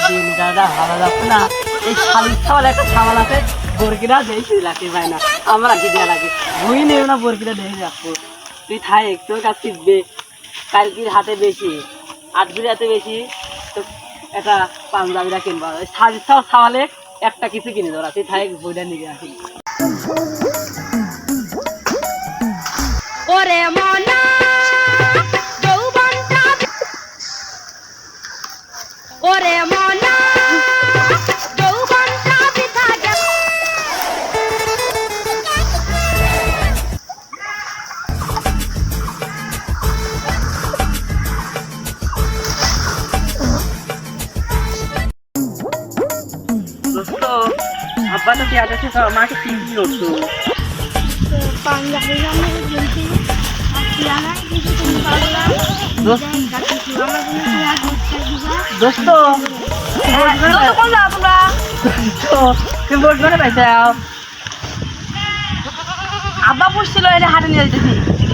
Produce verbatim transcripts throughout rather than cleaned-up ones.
দিন দাদা ভালো যাচ্ছে না। এই শালির ছাওয়াল একটা ছাওয়াল আছে, বরকিরা দেখি লাগে ভাই না, আমরা কি দেওয়া লাগে ভুই নেব না, বরকিরা দেখে যাবো। তুই থাই তোর কাছ থেকে কালকির হাতে বেশি, আজকের হাতে বেশি, তো একটা পাঞ্জাবিরা কিনবা, ওই শালির ছাওয়াল ছাওয়ালে একটা কিছু কিনে দেওয়া, তুই থাই বইটা নিয়ে আসি। ওরে মনা যৌবনটা, ওরে মনা যৌবনটা বৃথা গেল। দোস্ত আব্বা তো পেঁয়াজ আছে, মাকে কি কি করছো? দোস্ত তুমি বোট করে পাইছ? আব্বা পুষছিল, এটা হাটে নিয়ে যেতেছি।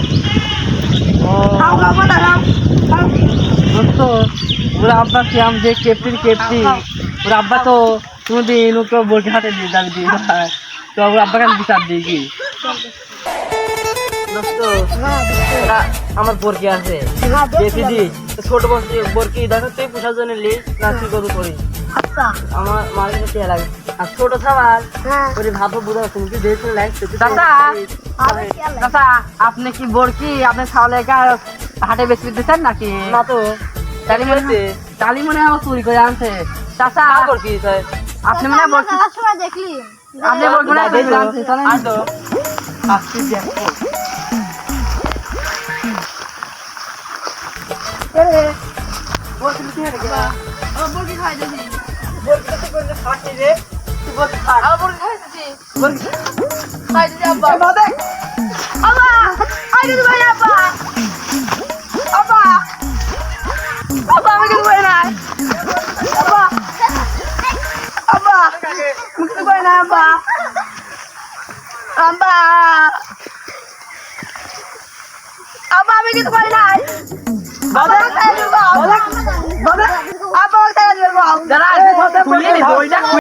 দোস্ত ওর আব্বা কি আম যে ক্যাপ্টেন ক্যাপ্টেন, ওর আব্বা তো কোনোদিন ওকে বোট হাটে দিয়ে দাবি দিয়ে তো ওর আব্বাকে আমি বিচার দিই কি? দোস্ত ওরা আমার বরকি আছে দিদি, ছোট বরকি বরকি দেখো তুই পোষার জন্য লিস না তুই কত করিস? আমার মায়ের কাছে লাগে আর ছোট খাবার ওরে ভাবো বুঝা তুমি কি দেখে লাইক দাদা দাদা আপনি কি বরকি আপনি ছাওয়ালে হাটে বেশি দিতেছেন নাকি? না তো তালি মনে তালি মনে আমার চুরি করে আনছে চাচা বরকি আপনি মনে বরকি দেখলি আপনি বরকি মনে বেশি আনছে চলেন আসো আসছি দেখো এরে বরকি কি হয়ে গেল? ও বলকি খাই দিছি, বরকি তো কোন খাচ্ছি রে, তুই বরকি খা। আর বলকি খাই দিছি, বরকি খাই দিছি আব্বা। এ বাবা আব্বা খাই দিছি ভাই, আব্বা আব্বা আব্বা আমি কিছু করি নাই, আব্বা আব্বা কিছু করি নাই, আব্বা আব্বা আব্বা আমি কিছু করি নাই, বাবা আব্বা খাই দিব, বাবা বাবা আব্বা খাই দিব। দাঁড়া বইটা